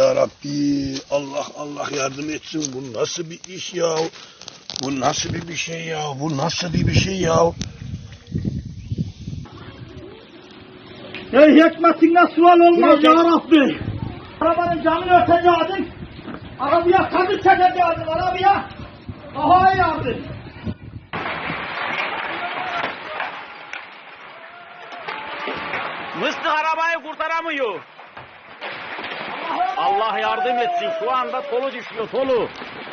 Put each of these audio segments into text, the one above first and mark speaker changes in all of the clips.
Speaker 1: ya Rabbi. Allah Allah yardım etsin. Bu nasıl bir iş ya? Bu nasıl bir şey ya? Bu nasıl bir şey ya?
Speaker 2: Ey hikmetine sual olmaz ya Rabbi. Arabanın camını örteceydin. Arabaya kazık çekeceydin arabaya. Daha iyi yardım.
Speaker 3: Mıstık arabayı kurtaramıyor. Allah yardım etsin. Şu anda tolu düşüyor, tolu.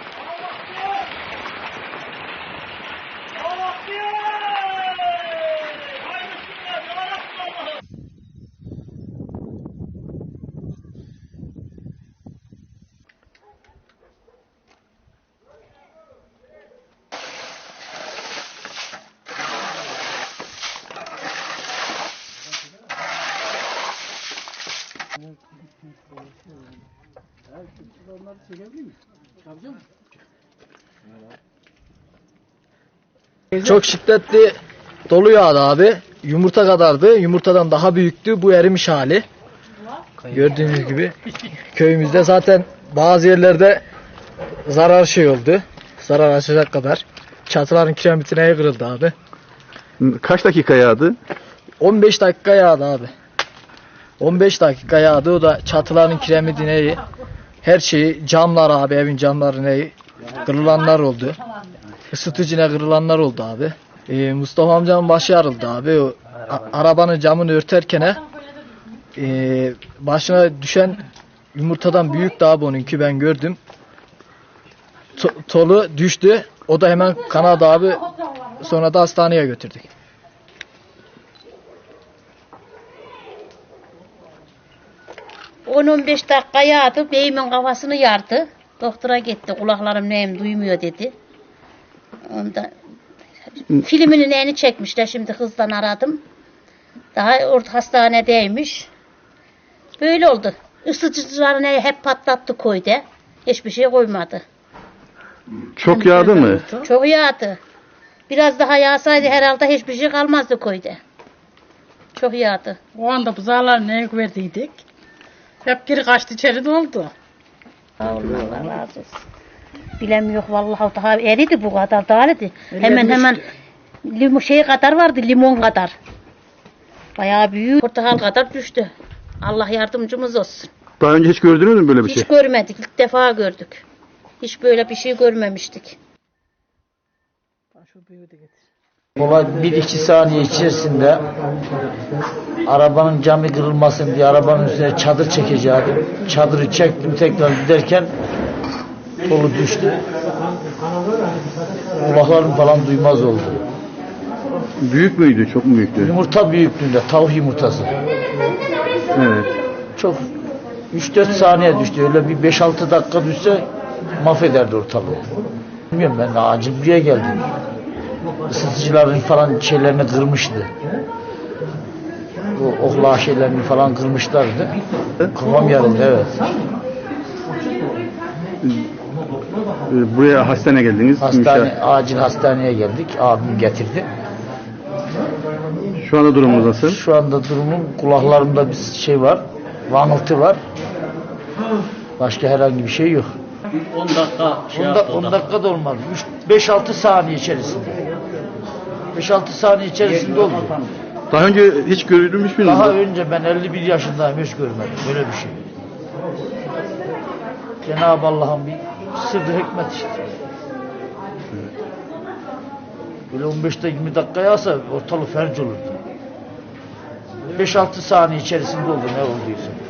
Speaker 4: Çok şiddetli dolu yağdı abi. Yumurta kadardı. Yumurtadan daha büyüktü. Bu erimiş hali. Gördüğünüz gibi köyümüzde zaten bazı yerlerde zarar oldu. Zarar açacak kadar. Çatıların kiremitine kırıldı abi.
Speaker 5: Kaç dakika yağdı?
Speaker 4: 15 dakika yağdı abi. 15 dakika yağdı. O da çatıların kiremitine, her şeyi, camlar abi, evin camları kırılanlar oldu. Isıtıcına kırılanlar oldu abi. Mustafa amcanın başı yarıldı abi. O arabanın camını örterken başına düşen yumurtadan büyüktü abi onunki, ben gördüm. Tolu düştü. O da hemen kanadı abi. Sonra da hastaneye götürdük.
Speaker 6: ...10-15 dakika yağdı, beyimin kafasını yardı. Doktora gitti, kulaklarım neyim duymuyor dedi. Ondan filminin neyini çekmişler, şimdi hızdan aradım. Daha orta hastanedeymiş. Böyle oldu. Isıtıcılarını hep patlattı koydu. Hiçbir şey koymadı.
Speaker 5: Çok yağdı mı?
Speaker 6: Çok yağdı. Biraz daha yağsaydı herhalde hiçbir şey kalmazdı koydu. Çok yağdı.
Speaker 7: O anda buzağlar neye verdiydik? Hep geri kaçtı, içeri doldu.
Speaker 6: Allah razı olsun. Bilemiyorum vallahi, daha eridi bu kadar da eridi. Hemen limon kadar vardı, limon kadar. Bayağı büyük, portakal kadar düştü. Allah yardımcımız olsun.
Speaker 5: Daha önce hiç gördünüz mü böyle bir şey?
Speaker 6: Hiç görmedik, ilk defa gördük. Hiç böyle bir şey görmemiştik.
Speaker 4: Olay 1-2 saniye içerisinde arabanın camı kırılmasın diye arabanın üstüne çadır çekeceğim. Çadırı çektim, tekrar giderken dolu düştü. Kulaklarım falan duymaz oldu.
Speaker 5: Büyük müydü? Çok mu büyüktü?
Speaker 4: Yumurta büyüklüğünde, tavuk yumurtası.
Speaker 5: Evet.
Speaker 4: Çok 3-4 saniye düştü. Öyle bir 5-6 dakika düşse mahvederdi ortalığı. Bilmiyorum, ben de acil buraya geldim. Isıtıcıların falan şeylerini kırmıştı. Bu okla şeylerini falan kırmışlardı. Kafam yarıldı, evet.
Speaker 5: Buraya hastaneye geldiniz.
Speaker 4: Acil hastaneye geldik. Abim getirdi.
Speaker 5: Şu anda durumunuz nasıl?
Speaker 4: Şu anda durumum, kulaklarımda bir şey var. Vanıltı var. Başka herhangi bir şey yok.
Speaker 3: 10 dakika
Speaker 4: 10 dakika da olmadı. 5-6 saniye içerisinde. 5-6 saniye içerisinde oldu.
Speaker 5: Daha önce hiç görülmüş müydünüz?
Speaker 4: Daha önce ben 51 yaşındayım, hiç görmedim böyle bir şey. Cenab-ı Allah'ın bir sırrı hikmet işte. Böyle 15-20 dakika yağsa ortalık felç olurdu. 5-6 saniye içerisinde oldu ne olduysa.